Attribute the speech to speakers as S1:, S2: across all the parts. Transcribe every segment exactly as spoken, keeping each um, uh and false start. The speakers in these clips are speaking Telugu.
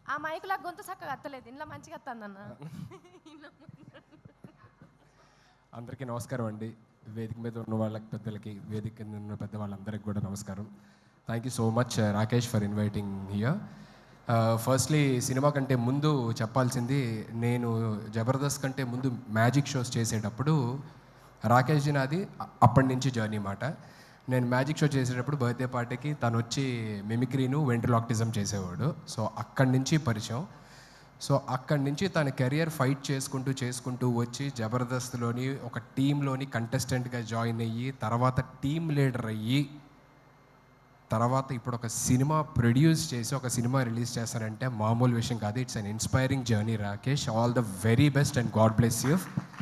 S1: ఆ మైకులా గొంతు చక్కగా అత్తలేదు, ఇంట్లో మంచిగా అత్తందన్న.
S2: అందరికీ నమస్కారం అండి. వేదిక మీద ఉన్న వాళ్ళకి, పెద్దలకి, వేదిక కింద ఉన్న పెద్ద వాళ్ళందరికీ కూడా నమస్కారం. Thank you so much Rakesh for inviting here. Firstly cinema కంటే ముందు చెప్పాల్సింది, నేను జబర్దస్త్ కంటే ముందు మ్యాజిక్ షోస్ చేసేటప్పుడు రాకేష్ జీ నాది అప్పటి నుంచి జర్నీ మాట. నేను మ్యాజిక్ షో చేసేటప్పుడు బర్త్డే పార్టీకి తను వచ్చి మిమిక్రీను వెంట్రలాక్టిజం చేసేవాడు. సో అక్కడి నుంచి పరిచయం. సో అక్కడి నుంచి తన కెరియర్ ఫైట్ చేసుకుంటూ చేసుకుంటూ వచ్చి జబర్దస్త్లోని ఒక టీంలోని కంటెస్టెంట్గా జాయిన్ అయ్యి, తర్వాత టీమ్ లీడర్ అయ్యి, తర్వాత ఇప్పుడు ఒక సినిమా ప్రొడ్యూస్ చేసి ఒక సినిమా రిలీజ్ చేస్తారంటే మామూలు విషయం కాదు. It's an inspiring journey Rakesh. All the very best and god bless you.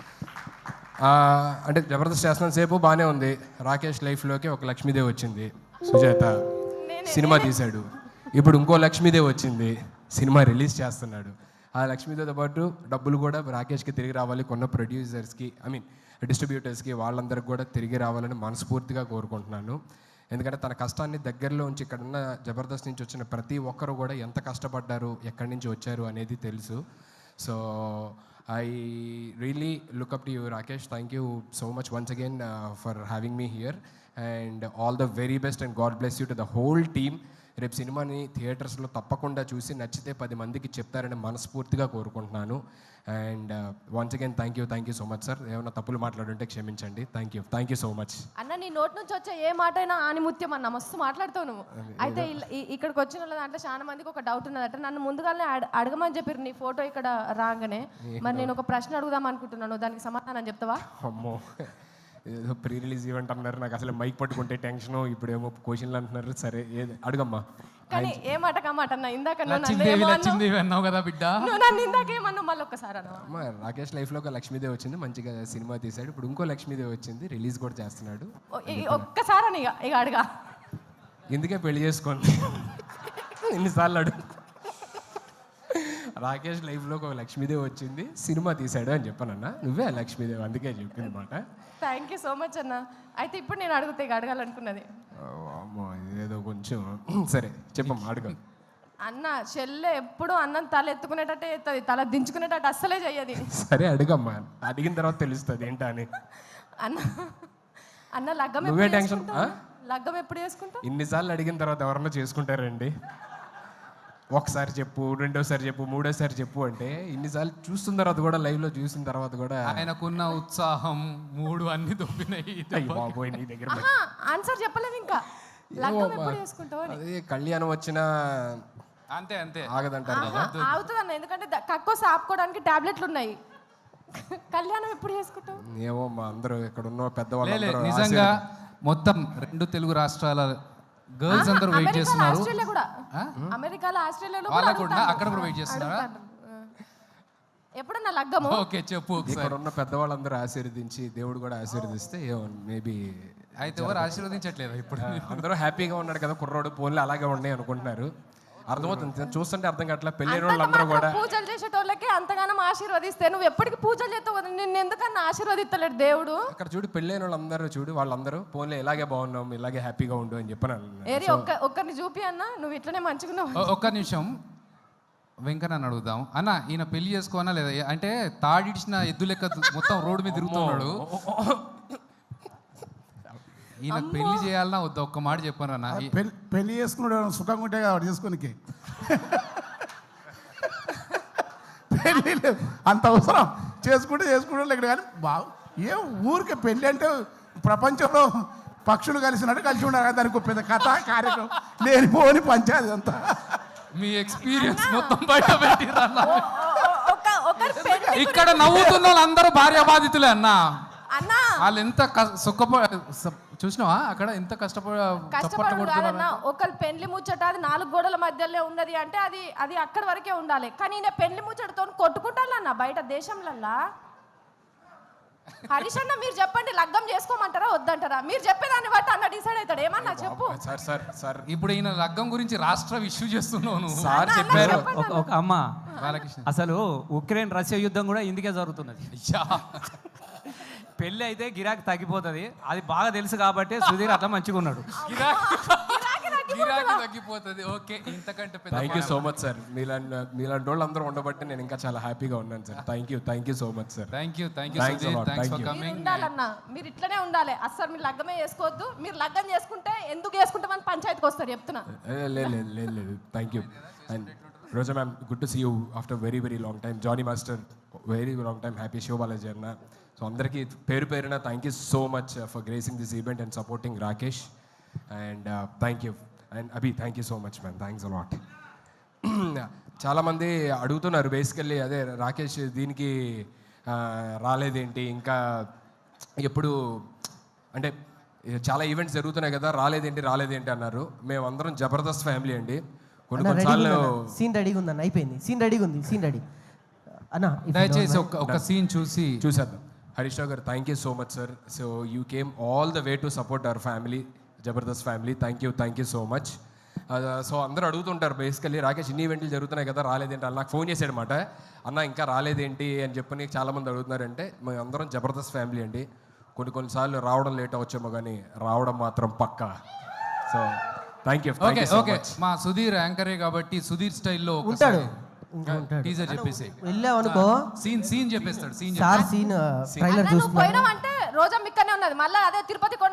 S2: అంటే జబర్దస్త్ చేస్తున్న సేపు బాగానే ఉంది. రాకేష్ లైఫ్లోకి ఒక లక్ష్మీదేవి వచ్చింది, సుజాత సినిమా తీశాడు. ఇప్పుడు ఇంకో లక్ష్మీదేవి వచ్చింది, సినిమా రిలీజ్ చేస్తున్నాడు. ఆ లక్ష్మీదేవితో పాటు డబ్బులు కూడా రాకేష్కి తిరిగి రావాలి, కొన్న ప్రొడ్యూసర్స్కి, ఐ మీన్ డిస్ట్రిబ్యూటర్స్కి, వాళ్ళందరికీ కూడా తిరిగి రావాలని మనస్ఫూర్తిగా కోరుకుంటున్నాను. ఎందుకంటే తన కష్టాన్ని దగ్గరలో ఉంచి ఇక్కడున్న జబర్దస్త్ నుంచి వచ్చిన ప్రతి ఒక్కరు కూడా ఎంత కష్టపడ్డారు, ఎక్కడి నుంచి వచ్చారు అనేది తెలుసు. So I really look up to you Rakesh. Thank you so much once again for having me here and all the very best and god bless you to the whole team. రేపు సినిమాని థియేటర్స్లో తప్పకుండా చూసి నచ్చితే పది మందికి చెప్తారని మనస్ఫూర్తిగా కోరుకుంటున్నాను. And once again thank you thank you so much sir. ఏమైనా తప్పులు మాట్లాడుంటే క్షమించండి. Thank you thank you so much.
S1: అన్న నీ నోటి నుంచి వచ్చే ఏ మాట అయినా ఆనిముత్యం అన్న, మస్తు మాట్లాడుతావు నువ్వు. అయితే ఇక్కడికి వచ్చిన వాళ్ళ దాంట్లో చాలా మందికి ఒక డౌట్ ఉన్నదట. నన్ను ముందుగానే అడగమని చెప్పారు నీ ఫోటో ఇక్కడ రాగానే. మరి నేను ఒక ప్రశ్న అడుగుదాం అనుకుంటున్నాను, దానికి సమాధానం చెప్తావా?
S2: అమ్మో, ఏదో ప్రీ రిలీజ్ ఈవెంట్ అన్నారు, నాకు అసలు మైక్ పట్టుకుంటే టెన్షన్, ఇప్పుడేమో క్వశ్చన్లు అంటున్నారు. సరే ఏది అడుగమ్మా.
S1: కానీ ఏ మాట కమాట అన్న, ఇందాక నన్ను
S3: కదా బిడ్డ,
S1: నన్ను ఇందాక ఏమన్నావు మళ్ళీ ఒక్కసారి అన్న.
S2: రాకేష్ లైఫ్లో ఒక లక్ష్మీదేవి వచ్చింది, మంచిగా సినిమా తీశాడు. ఇప్పుడు ఇంకో లక్ష్మీదేవి వచ్చింది, రిలీజ్ కూడా చేస్తున్నాడు.
S1: ఒక్కసారి అని ఇక ఇక అడగా,
S2: ఎందుకే పెళ్లి చేసుకోండి ఎన్నిసార్లు అడుగు. రాకేష్ లైఫ్లో ఒక లక్ష్మీదేవి వచ్చింది, సినిమా తీశాడు అని చెప్పానన్నా. నువ్వే లక్ష్మీదేవి, అందుకే చెప్పింది మాట.
S1: థ్యాంక్ యూ సో మచ్ అన్న. అయితే ఇప్పుడు నేను అడుగుతా, ఇక అడగాలనుకున్నది.
S2: అమ్మో ఏదో కొంచెం సరే చెప్పమ్మా, అడుగు.
S1: అన్న చెల్లె ఎప్పుడు అన్నం తల ఎత్తుకునేటట్టే ఎత్తది, తల దించుకునేటట్టు అస్సలే చెయ్యది.
S2: సరే అడుగమ్మా, అడిగిన తర్వాత తెలుస్తుంది ఏంటా అని.
S1: అన్న అన్న లగ్గం
S2: నువ్వే టెన్షన్.
S1: లగ్గం ఎప్పుడు చేసుకుంటా?
S2: ఇన్నిసార్లు అడిగిన తర్వాత ఎవరన్నా చేసుకుంటారండి? ఒకసారి చెప్పు, రెండోసారి చెప్పు, మూడోసారి చెప్పు అంటే ఇన్నిసార్లు చూస్తున్న తర్వాత కూడా, లైవ్ లో చూసిన తర్వాత కూడా
S3: ఆయనకున్న ఉత్సాహం మూడు అన్ని దొబ్బినాయి.
S2: బాబోయ్ నీ దగ్గర
S1: ఆన్సర్ చెప్పలేదు ఇంకా. లగ్గం ఎప్పుడు చేసుకుంటావు?
S2: అదే కళ్యాణం వచ్చిన
S3: అంతే అంతే
S2: ఆగదంటారు కదా.
S1: అవుతుంది అన్న, ఎందుకంటే కక్కువ ఆపుకోవడానికి టాబ్లెట్లు ఉన్నాయి. కళ్యాణం ఎప్పుడు చేసుకుంటావు?
S2: ఏమో మా అందరూ ఇక్కడ ఉన్న పెద్దవాళ్ళు
S3: నిజంగా మొత్తం రెండు తెలుగు రాష్ట్రాల గర్ల్స్ అందరూ వెయిట్ చేస్తున్నారు.
S1: అమెరికాలో, ఆస్ట్రేలియాలో
S3: కూడా అక్కడ కూడా వెయిట్ చేస్తున్నారా?
S1: ఎప్పుడన్నా లగ్గము?
S3: ఓకే చెప్పు.
S2: ఇక్కడ ఉన్న పెద్దవాళ్ళందరూ ఆశీర్వదించి, దేవుడు కూడా ఆశీర్వదిస్తే మేబీ.
S3: అయితే ఎవరు ఆశీర్వదించట్లేదు ఇప్పుడు?
S2: అందరూ హ్యాపీగా ఉన్నాడు కదా కుర్రోడు, పోన్లు అలాగే ఉన్నాయి అనుకుంటున్నారు. అర్థమవుతుంది, చూస్తుంటే అర్థం కావట్లా. పెళ్లి వాళ్ళందరూ కూడా
S1: పూజలు చేసేటోళ్ళకి అంతగానం ఆశీర్వదిస్తే నువ్వు ఎప్పటికీ పూజలు చేస్తావు కదా, నిన్ను ఎందుకన్నా ఆశీర్వదిస్తలేడు దేవుడు?
S2: అక్కడ చూడు, పెళ్ళైన వాళ్ళందరూ చూడు, వాళ్ళందరూ పోన్లే ఇలాగే బాగున్నాం, ఇలాగే హ్యాపీగా ఉండు అని చెప్పాను.
S1: ఏరి ఒక్క ఒక్కరిని చూపి అన్న, నువ్వు ఇట్లనే మంచిగా.
S3: ఒక్క నిమిషం వెంకన్న అడుగుదాం. అన్న ఈయన పెళ్లి చేసుకోనా లేదా? అంటే తాడిడిచిన ఎద్దు లెక్క మొత్తం రోడ్డు మీద తిరుగుతున్నాడు. ఈయన పెళ్లి చేయాలన్నా వద్దా? ఒక్క మాట చెప్పాను అన్న.
S4: పెళ్లి చేసుకున్నాడు సుఖంగా ఉంటే కాబట్టి చేసుకోనికి పెళ్ళి అంత అవసరం. చేసుకుంటే చేసుకుంటే ఇక్కడ కానీ బాగు ఏ ఊరికే పెళ్ళి అంటే ప్రపంచంలో పక్షులు కలిసినట్టు కలిసి ఉండాలి. దానికి పెద్ద కథ కార్యక్రమం లేనిపోని పంచాయతీ అంతా.
S3: మీ ఎక్స్పీరియన్స్ మొత్తం బయట పెట్టిరన్న. ఇక్కడ నవ్వుతున్న వాళ్ళందరూ భార్య బాధితులే అన్న. వాళ్ళు ఎంత సుఖప చూసినావా అక్కడ ఎంత కష్టపడ
S1: కష్టపడుతున్నా. ఒకళ్ళు పెళ్లి ముచ్చట అది నాలుగు గోడల మధ్యలో ఉన్నది అంటే అది అది అక్కడి వరకే ఉండాలి. కానీ నేను పెళ్లి ముచ్చటతో కొట్టుకుంటానన్న బయట దేశంలల్లా. హరీష్ అన్న మీరు చెప్పండి, లగ్గం చేసుకోమంటారా వద్దంటారా? మీరు చెప్పేదాన్ని బట్టి అన్న డిసైడ్ అవుతాడు. ఏమన్నా చెప్పు.
S2: సార్ సార్ సార్
S3: ఇప్పుడు ఈయన లగ్గం గురించి రాష్ట్ర ఇష్యూ చేస్తున్నావు.
S2: సార్ చెప్పారు.
S5: ఒక అమ్మ బాలకృష్ణ, అసలు ఉక్రెయిన్ రష్యా యుద్ధం కూడా ఇందుకే జరుగుతున్నది. పెళ్ళి అయితే గిరాకీ తగ్గిపోతుంది, అది బాగా తెలుసు కాబట్టి సుధీర్ అట్లా మంచిగా ఉన్నాడు.
S3: గిరాకీ తగ్గిపోతుంది. ఓకే, ఇంతకంటే పెద్ద
S2: thank you so much sir. మీలాంటి మీలాంటి వాళ్ళు అందరూ ఉండబట్టి నేను ఇంకా చాలా హ్యాపీగా ఉన్నాను sir. Thank you thank you so much sir.
S3: Thank you thank you
S2: Thanks a
S3: Sudheer,
S2: lot.
S3: Thanks
S2: Thank
S3: for
S2: you.
S1: మీరు
S3: కమింగ్.
S1: ఉండాలన్నా మీరు ఇట్లనే ఉండాలి. అస్సలు మీరు లగ్గమే చేసుకోవద్దు. మీరు లగ్గం చేసుకుంటే ఎందుకు చేసుకుంటామని పంచాయతీకి వస్తారు చెప్తున్నా.
S2: లేదు లేదు లేదు లేదు thank you. And Roja ma'am, good to see you after very very long time. Johnny master, very long time. Happy Shiva Balaji అన్న. సో అందరికీ పేరు పేరున thank you so much for gracing this event and supporting Rakesh. And thank you. And Abhi, thank you so much ma'am. Thanks a lot. చాలామంది అడుగుతున్నారు బేసికల్లీ, అదే రాకేష్ దీనికి ఆ, రాలేదేంటి ఇంకా, ఎప్పుడు అంటే చాలా ఈవెంట్స్ జరుగుతున్నాయి కదా, రాలేదేంటి రాలేదేంటి అన్నారు. మేమందరం జబర్దస్త్ ఫ్యామిలీ అండి. కొన్ని కొన్నిసార్లు
S6: సీన్ రెడీగా ఉందన్న, అయిపోయింది. సీన్ రెడీగా ఉంది, సీన్ రెడీ అన్న.
S3: దయచేసి ఒక ఒక సీన్ చూసి
S2: చూసేద్దాం. హరీష్ రావు గారు, thank you so much sir. So you came all the way to support our family, Jabardasth family. Thank you thank you so much. So అందరూ అడుగుతుంటారు బేసికల్లీ, రాకేష్ ఇన్ని ఈవెంట్లు జరుగుతున్నాయి కదా రాలేదేంటి అని. నాకు ఫోన్ చేశాడనమాట, అన్న ఇంకా రాలేదేంటి అని చెప్పని చాలామంది అడుగుతున్నారంటే, మేము అందరం జబర్దస్త్ ఫ్యామిలీ అండి. కొన్ని కొన్నిసార్లు రావడం లేట్ అవచ్చేమో కానీ రావడం మాత్రం పక్కా. So thank you.
S3: Okay okay, మా సుధీర్ యాంకరే కాబట్టి సుధీర్ స్టైల్లో
S6: ఉంటాడు, ఇంకా ఉంటాడు.
S3: టీజర్ చెప్పేసి
S6: వెళ్ళావు అనుకో
S3: సీన్ సీన్ చెప్పేస్తాడు. సీన్
S6: సార్ సీన్ ట్రైలర్
S1: అన్న నువ్వు
S6: చూస్తున్నా.
S1: పోయినావంటే రోజా మిక్కనే ఉన్నది. మళ్ళీ అదే తిరుపతి కొండ